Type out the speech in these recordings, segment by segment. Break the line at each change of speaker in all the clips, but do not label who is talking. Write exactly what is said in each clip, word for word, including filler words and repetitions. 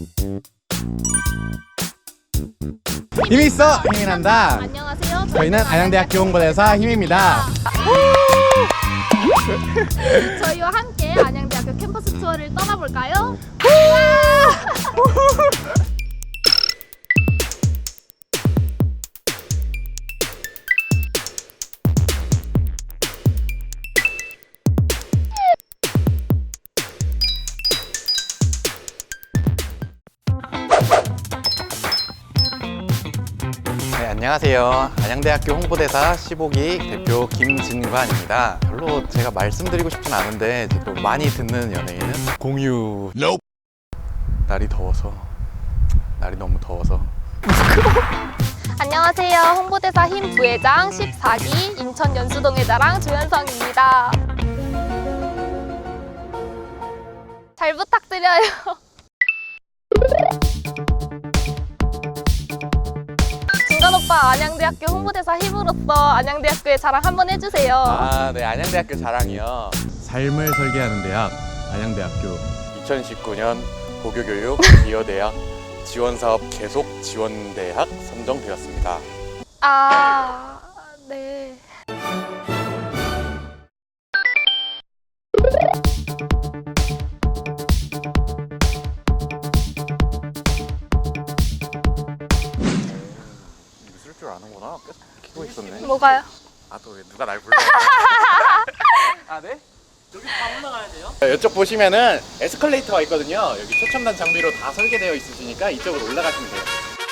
힘이 있어 힘이 난다.
안녕하세요.
저희는 안양대학교 홍보대사 힘입니다.
저희와 함께 안양대학교 캠퍼스 투어를 떠나볼까요?
네, 안녕하세요. 안양대학교 홍보대사 십오 기 대표 김진관입니다. 별로 제가 말씀드리고 싶진 않은데 또 많이 듣는 연예인은 공유. Nope. 날이 더워서 날이 너무 더워서.
안녕하세요. 홍보대사 힘 부회장 십사 기 인천 연수동의 자랑 조현성입니다. 잘 부탁드려요. 진관 오빠, 안양대학교 홍보대사 힘으로서 안양대학교의 자랑 한번 해주세요.
아, 네, 안양대학교 자랑이요. 삶을 설계하는 대학 안양대학교. 이천십구 년 고교교육 기여대학 지원사업 계속 지원대학 선정되었습니다.
아, 네.
쓸 줄 아는구나. 계속 키고 있었네.
뭐가요?
아, 또 왜 누가 날 불러? 아, 네?
여기 다 올라가야 돼요?
이쪽 보시면은 에스컬레이터가 있거든요. 여기 최첨단 장비로 다 설계되어 있으시니까 이쪽으로 올라가시면 돼요.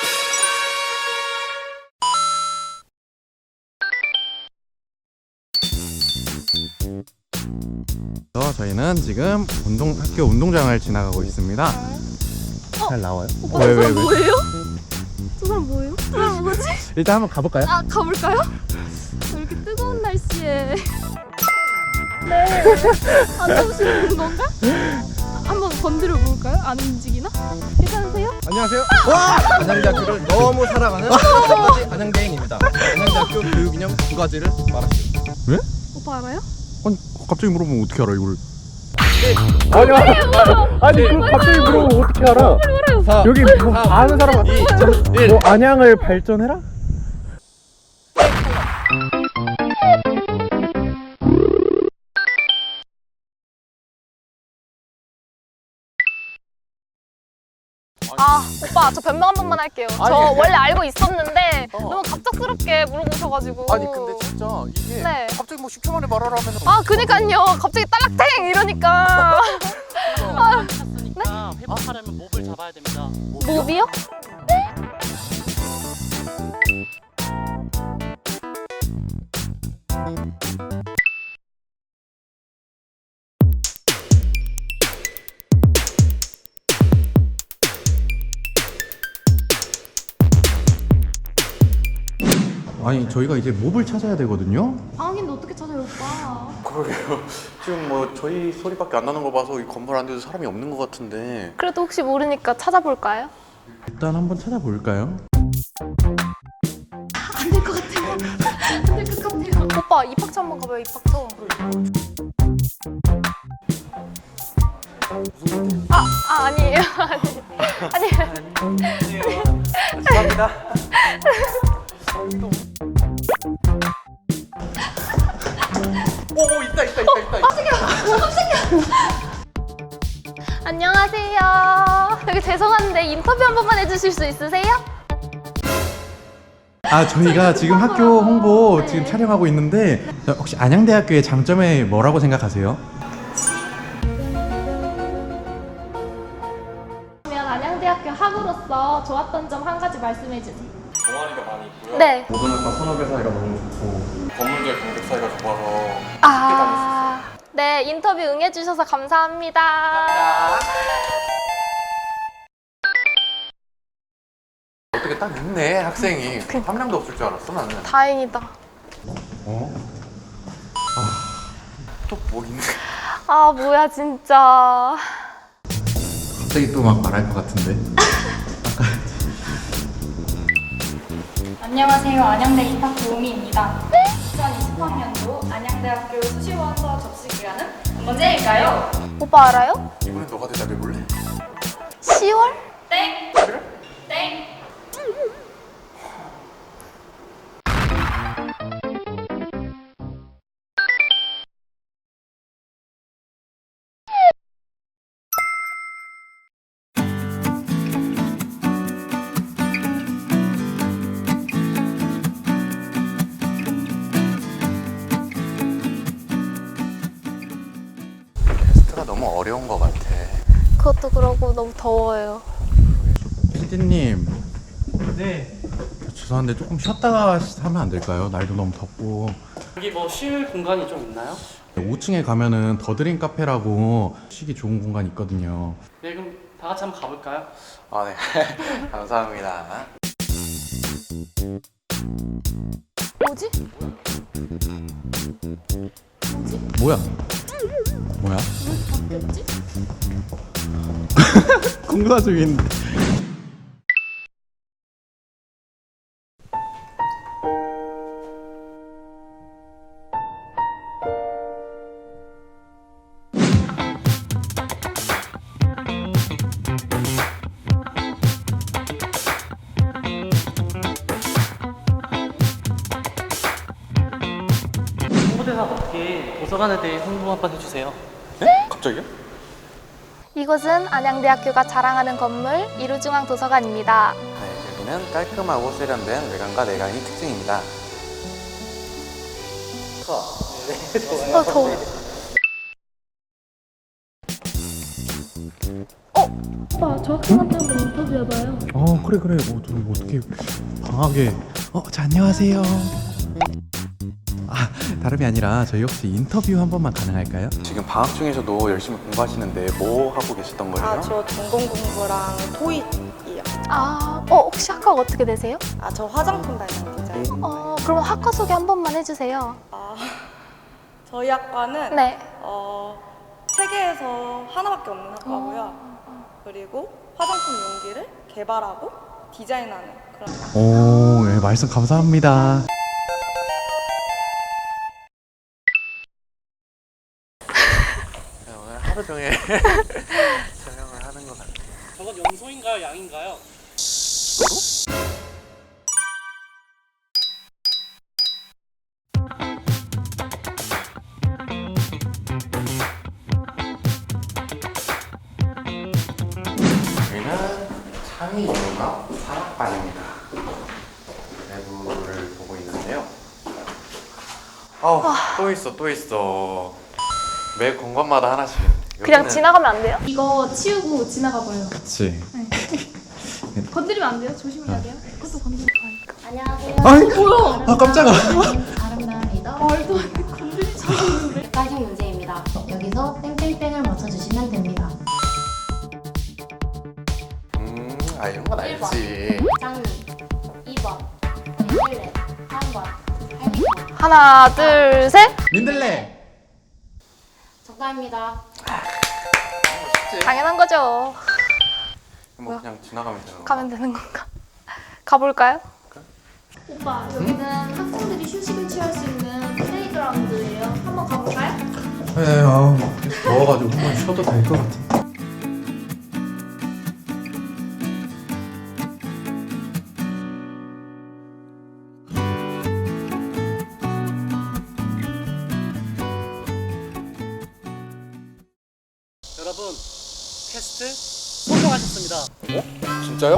저희는 지금 운동 학교 운동장을 지나가고 있습니다. 잘 나와요?
오빠, 저 사람 뭐예요? 저 사람 뭐예요? 저 사람 뭐지?
일단 한번 가볼까요?
아, 가볼까요? 이렇게 뜨거운 날씨에 네, 안 더우시는 건가? 한번 건드려 볼까요? 안 움직이나? 괜찮으세요?
안녕하세요. 와! 안양대학교를 너무 사랑하는 첫번째 안양대인입니다. 안양대학교 교육이념 두 가지를 말하시오.
왜?
오빠 알아요?
아니 갑자기 물어보면 어떻게 알아 이걸?
아니, 아니, 그 갑자기 물어보면 어떻게 알아? 사, 여기 뭐 아는 사람
이, 일.
뭐 안양을 발전해라?
아, 오빠 저 변명 한 번만 할게요. 저
아니.
원래 알고 있었는데
어.
너무 갑작스럽게 물어보셔가지고.
아니 근데 진짜 이게
네.
갑자기 뭐 십 초 만에 말하라 하면
아, 그니까요. 갑자기 딸락탱 이러니까.
찼으니까 회복하려면 몹을 잡아야 됩니다.
몹이요?
아니 저희가 이제 몹을 찾아야 되거든요.
방학인데 어떻게 찾아요, 오빠?
그러게요. 지금 뭐 저희 소리밖에 안 나는 거 봐서 이 건물 안에도 사람이 없는 것 같은데
그래도 혹시 모르니까 찾아볼까요?
일단 한번 찾아볼까요?
안 될 것 같아요. 안 될 것 같아요. 오빠 입학처 한번 가봐요, 입학처. 아, 아 아니에요. 아니, 아니에요.
죄송합니다.
오 있다 있다 있다 있다.
안녕하세요. 여기 죄송한데 인터뷰 한 번만 해주실 수 있으세요?
아 저희가 지금 학교 홍보
네.
지금 촬영하고 있는데 혹시 안양대학교의 장점이 뭐라고 생각하세요?
그러면 안양대학교 학우로서 좋았던 점 한 가지 말씀해 주세요.
동아리가 많이 있고요.
네.
모든학과 선후배 사이가 너무 좋고 건물들 경력 사이가 좋아서
아, 네, 인터뷰 응해주셔서 감사합니다.
어떻게 딱 있네 학생이. 한 명도 없을 줄 알았어 나는.
다행이다.
어? 아또 뭐 있네.
아, 뭐야, 진짜.
갑자기 또 막 말할 것 같은데.
안녕하세요. 안양대 입학 도우미입니다. 이천이십삼 년도 안양대학교 수시원서 접수 기간은 언제일까요?
오빠 알아요?
이번엔 너가 대답해 볼래?
시월?
땡! 땡. 땡.
테스트가 너무 어려운 것 같아.
그것도 그러고 너무 더워요.
피디님,
네.
죄송한데 조금 쉬었다가 하면 안 될까요? 날도 너무 덥고.
여기 뭐 쉴 공간이 좀 있나요?
오 층에 가면은 더드림 카페라고 쉬기 좋은 공간이 있거든요.
네, 그럼 다 같이 한번 가볼까요?
아, 네. 감사합니다.
뭐지?
뭐야? 뭐야?
왜 바뀌었지?
공부가 중인데.
홍보대사 어떻게 도서관에 대해 홍보 한번 해주세요.
네? 갑자기요?
이곳은 안양대학교가 자랑하는 건물 이루중앙도서관입니다.
네, 여기는 깔끔하고 세련된 외관과 내관이 특징입니다.
어, 더워.
오빠 저 학생한테 한번 인터뷰해봐요.
어, 그래 그래. 뭐, 좀 어떻게 방학에? 어, 자, 안녕하세요. 아, 다름이 아니라 저희 혹시 인터뷰 한 번만 가능할까요? 지금 방학 중에서도 열심히 공부하시는데 뭐 하고 계셨던 거예요?
아, 저 전공 공부랑 토익이요.
아, 어, 혹시 학과가 어떻게 되세요?
아, 저 화장품 다니는 디자인.
어, 그럼 학과 소개 한 번만 해주세요.
아, 저희 학과는
네.
어, 세계에서 하나밖에 없는 학과고요. 그리고 화장품 용기를 개발하고 디자인하는 그런 학과.
오, 네, 말씀 감사합니다. 오늘 하루 종일 촬영을 하는 것 같아요.
저건 염소인가요, 양인가요?
여기는 창의융합 산업반입니다. 내부를 보고 있는데요. 아우, 또 있어, 또 있어. 매 공간마다 하나씩.
그냥
여기는-
지나가면 안 돼요?
이거 치우고 지나가봐요.
그치.
건드리면 안 돼요? 조심해야 돼요. 그것도 건드리면 가니까.
안녕하세요.
아이, 뭐야? 아, 깜짝아.
아름다운 리더
말도 안 돼. 건드리지 않는데.
객관식 문제입니다. 여기서 땡땡땡을 맞춰주시면 됩니다.
음, 아, 이런 건 알지.
장미 이 번 민들레 삼 번 할미꽃
하나, 둘, 셋.
민들레.
정답입니다.
당연한 거죠.
뭐 그냥 지나가면 되는 거.
가면 되는 건가? 가볼까요?
오빠 여기는 학생들이 휴식을 취할 수 있는 플레이그라운드예요. 한번 가볼까요?
네, 아우, 더워가지고 한번 쉬어도 될 것 같아.
여러분, 테스트 성공하셨습니다.
진짜요?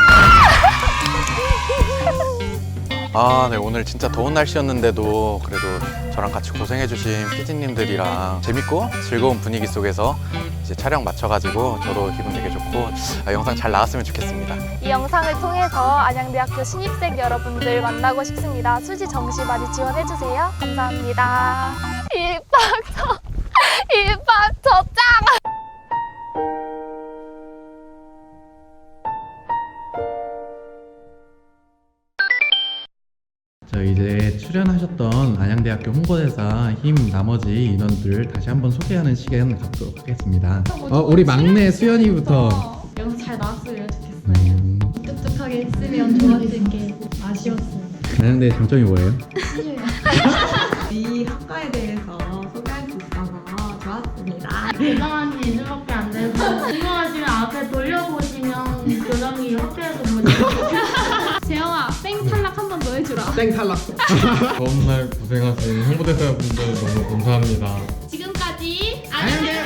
아, 네, 오늘 진짜 더운 날씨였는데도 그래도 저랑 같이 고생해주신 피디님들이랑 재밌고 즐거운 분위기 속에서 이제 촬영 마쳐가지고 저도 기분 되게 좋고 아, 영상 잘 나왔으면 좋겠습니다.
이 영상을 통해서 안양대학교 신입생 여러분들 만나고 싶습니다. 수지 정시 많이 지원해주세요. 감사합니다. 입학처, 입학처 짱!
저 이제 출연하셨던 안양대학교 홍보대사 힘 나머지 인원들 다시 한번 소개하는 시간 갖도록 하겠습니다. 어, 우리 막내 수연이부터.
영상 잘 나왔으면 좋겠어요.
음,
뚝뚝하게 했으면 좋았을 게 아쉬웠어요.
안양대 장점이 뭐예요?
이 학과에 대해서 소개할 수 있어서 좋았습니다.
대단한 지 이 주밖에 안 돼서 궁금하시면 앞에 돌려보시면 학교에서 뭐 재영아 땡 탈락 한 번 더 해주라.
땡 탈락.
처음 날 고생하신 홍보대사분들 너무 감사합니다.
지금까지
안녕히